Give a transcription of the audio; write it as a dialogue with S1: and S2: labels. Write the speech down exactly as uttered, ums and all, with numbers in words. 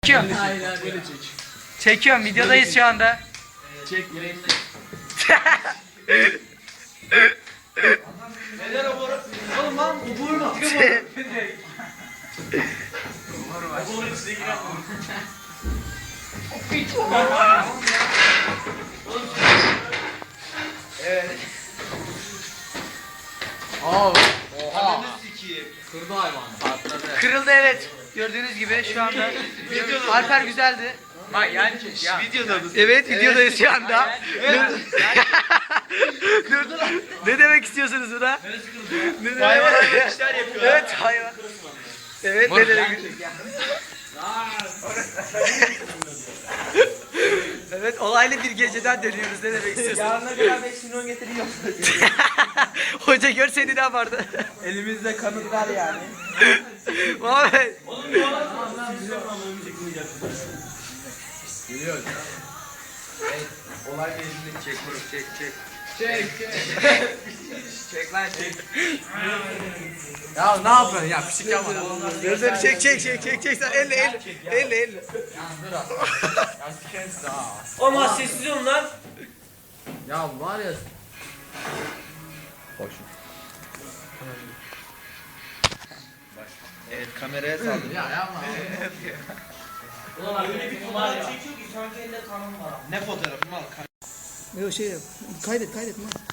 S1: Çekiyorum.
S2: Aynen böyle çek.
S1: Çekiyorum. Videodayız şu anda.
S2: Çek yüreğini. Neler o boru? Oğlum lan o boru mu? O boru içine giren boru. Evet.
S3: Aa, oha.
S2: Kırdı hayvan. Patladı.
S1: Kırıldı evet. Gördüğünüz gibi şu anda. Alper güzeldi.
S3: Bak yani ya.
S2: Videoda mısın?
S1: Evet videodayız şu anda.
S2: Evet.
S1: Dur. Ne demek istiyorsunuz buna? Ne demek?
S2: Hayvan hayvan işler yapıyor.
S1: Evet hayvan. Evet ne demek? Evet olaylı bir geceden dönüyoruz. Ne demek istiyorsun?
S2: Yarına kadar beş milyon getiriyor.
S1: Hoca görseydi ne yapardı?
S2: Elimizde kanıt var yani.
S1: Muhammed.
S3: Geliyoruz. Evet, olay meclisinde çek vurup çek çek.
S2: Çek.
S3: Çek lan çek. Ya ne yapıyorsun ya pişik yapma.
S1: Dur dur çek çek çek çek çek sen elle elle elle elle.
S3: Ya dur az. Ya sikeriz daha.
S2: Ama sessiz olun lan.
S3: Ya var ya. Hoş.
S2: Evet kameraya saldım.
S3: Ya yapma.
S2: Ulan öyle bir fotoğraf çekiyor ki sanki elinde kanım var. Ne fotoğrafı mal?
S1: Yok şey yap. Kaydet kaydet lan.